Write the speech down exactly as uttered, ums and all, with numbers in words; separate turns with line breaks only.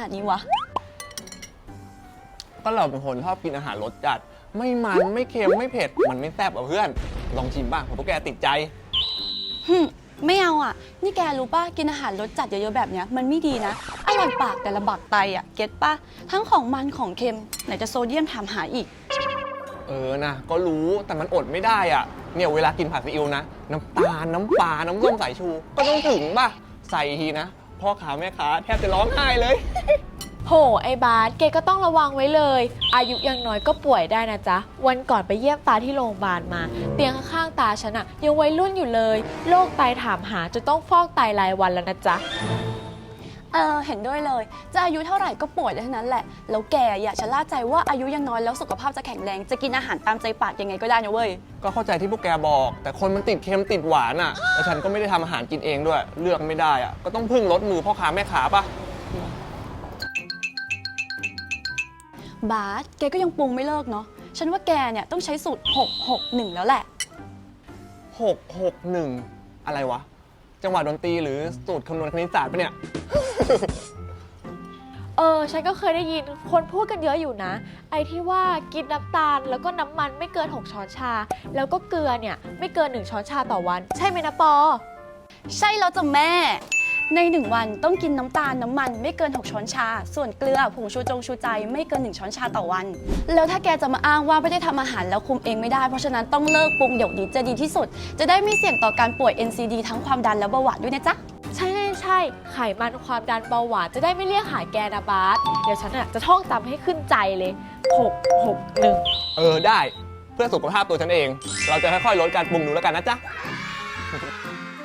นาดนี้วะ
ก็เราเป็นคนชอบกินอาหารรสจัดไม่มันไม่เค็มไม่เผ็ดมันไม่แซ่บอ่ะเพื่อนลองชิมบ้างเพราะพวกแกติดใจ
ฮึไม่เอาอ่ะนี่แกรู้ป่ะกินอาหารรสจัดเยอะๆแบบเนี้ยมันไม่ดีนะอร่อยปากแต่ละบักไตอ่ะเก็ตป่ะทั้งของมันของเค็มไหนจะโซเดียมถามหาอีก
เออนะก็รู้แต่มันอดไม่ได้อ่ะเนี่ยเวลากินผัดซีอิ๊วนะน้ำตาลน้ำปลาน้ำส้มสายชูก็ต้องถึงป่ะใส่ทีนะพ่อค้าแม่ค้าแทบจะร้องไห้เลย
โหไอ้บาสเกก็ต้องระวังไว้เลยอายุยังน้อยก็ป่วยได้นะจ๊ะวันก่อนไปเยี่ยมตาที่โรงพยาบาลมาเตียงข้างๆตาฉันอะยังวัยรุ่นอยู่เลยโรคไตถามหาจะต้องฟอกไตรายวันแล้วนะจ๊ะ
เออเห็นด้วยเลยจะอายุเท่าไหร่ก็ป่วยได้ทั้งนั้นแหละแล้วแกอย่าชะล่าใจว่าอายุยังน้อยแล้วสุขภาพจะแข็งแรงจะกินอาหารตามใจปากยังไงก็ได้นะเว้ย
ก็เข้าใจที่พวกแกบอกแต่คนมันติดเค็มติดหวานอ่ะแล้วฉันก็ไม่ได้ทำอาหารกินเองด้วยเลือกไม่ได้อ่ะก็ต้องพึ่งรสมือพ่อค้าแม่ค้าป่ะ
บาสแกก็ยังปรุงไม่เลิกเนาะฉันว่าแกเนี่ยต้องใช้สูตรหก หก หนึ่งแล้วแหละ
หก หก หนึ่งอะไรวะจังหวะดนตรีหรือสูตรคำนวณคณิตศาสตร์ปะเนี่ย
เออฉันก็เคยได้ยินคนพูดกันเยอะอยู่นะไอ้ที่ว่ากินน้ำตาลแล้วก็น้ำมันไม่เกินหกช้อนชาแล้วก็เกลือเนี่ยไม่เกินหนึ่งช้อนชาต่อวันใช่ไหมนะปอ
ใช่แล้วจ้ะแม่ในหนึ่งวันต้องกินน้ำตาลน้ำมันไม่เกินหกช้อนชาส่วนเกลือผงชูจงชูใจไม่เกินหนึ่งช้อนชาต่อวันแล้วถ้าแกจะมาอ้างว่าไม่ได้ทำอาหารแล้วคุมเองไม่ได้เพราะฉะนั้นต้องเลิกปรุงเดี๋ยวนี้จะดีที่สุดจะได้ไม่เสี่ยงต่อการป่วย เอ็น ซี ดี ทั้งความดันและเบาหวานด้วยนะจ๊ะ
ใช่ใช่ใช่ไขมันความดันเบาหวานจะได้ไม่เรียกหาแกนะบาสเดี๋ยวฉันอ่ะจะท่องจำให้ขึ้นใจเลยหก หก หนึ่ง
เออได้เพื่อสุขภาพตัวฉันเองเราจะค่อยๆลดการปรุงดูแล้วกันนะจ๊ะ